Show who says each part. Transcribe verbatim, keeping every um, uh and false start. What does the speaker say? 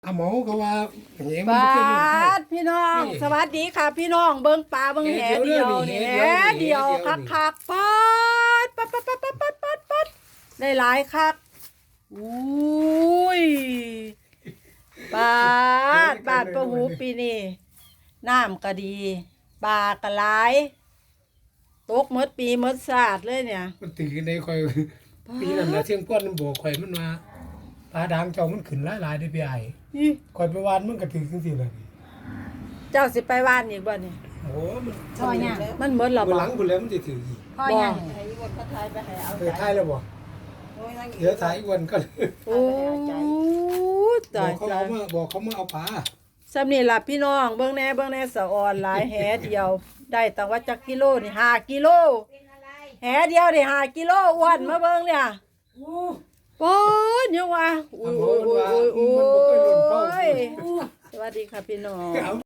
Speaker 1: อาหมอก็ว่าเหม
Speaker 2: บ
Speaker 1: มัน
Speaker 2: า
Speaker 1: บ่เคยลงเข้า
Speaker 2: ดพี่น้อง
Speaker 1: นี่
Speaker 2: สวัสดีค่ะ พี่น้องเบิ้งปลาเบิ้งแห
Speaker 1: แหเดี
Speaker 2: เดี
Speaker 1: ย
Speaker 2: ยว ว
Speaker 1: นี่
Speaker 2: นี่
Speaker 1: แห
Speaker 2: แห
Speaker 1: เดียวนี่
Speaker 2: เดียว
Speaker 1: แหเดียว
Speaker 2: คักคักๆปัดปัดปัดปัดปัดปัดปัดปัดได้หลายคักอุ้ยปลาดบาดประหูปีนี้น้ำก็ดีปลาก็หลายตกหมดปีหมดศาสตร์เลยเนี่ย
Speaker 1: มันตื่นในคอยปีนั้นนะเที่ยงก้อนมันบอกข่อยมันว่าปลาดางเจ้ามันขึ้นหลายๆได้พี่ไอ้
Speaker 2: นี่
Speaker 1: ข่อยไปวานมันก็ถือจังซี่ล่ะนี่
Speaker 2: เจ้าสิไปว่านอีกบ่เนี่ย
Speaker 1: โอ้มัน
Speaker 3: พ่อยัง
Speaker 2: มันหมดหรอ
Speaker 1: บ่
Speaker 2: บ่
Speaker 1: หลังพุ่นแล้วมันสิถืออีก
Speaker 3: พ่อยัง
Speaker 2: ให้อีกคนเขาทายไปให้เอา
Speaker 1: เออท้ายแล้วบ่
Speaker 3: โอ้ยนั่ง
Speaker 1: เดี๋ยวท้ายอีกวันก็
Speaker 2: โอ้ย
Speaker 1: บ
Speaker 2: ตา
Speaker 1: อก
Speaker 2: ย
Speaker 1: เขา
Speaker 2: ตา
Speaker 1: เอา
Speaker 2: ย
Speaker 1: มาบอกเขามาเอาปลา
Speaker 2: สำนี่ล่ะพี่น้องเบิ่งแน่เบิ่งแน่สะออนหลายแหเดียว ได้ตั้งว่าจักกิโลนี่ห้ากิโลแหเดียวนี่ห้ากิโลอ้วนมาเบิ่งเนี่ยโอ้ยยังว่าอุ้ย
Speaker 1: อาหมอ
Speaker 2: อุ้ย
Speaker 1: มัน
Speaker 2: อุ้
Speaker 1: ว่าย
Speaker 2: อุ้ย
Speaker 1: มันบ่เคยหล่นเข้า
Speaker 2: อุ้ยสวัสดีค่ะพี่น้อง
Speaker 1: เอา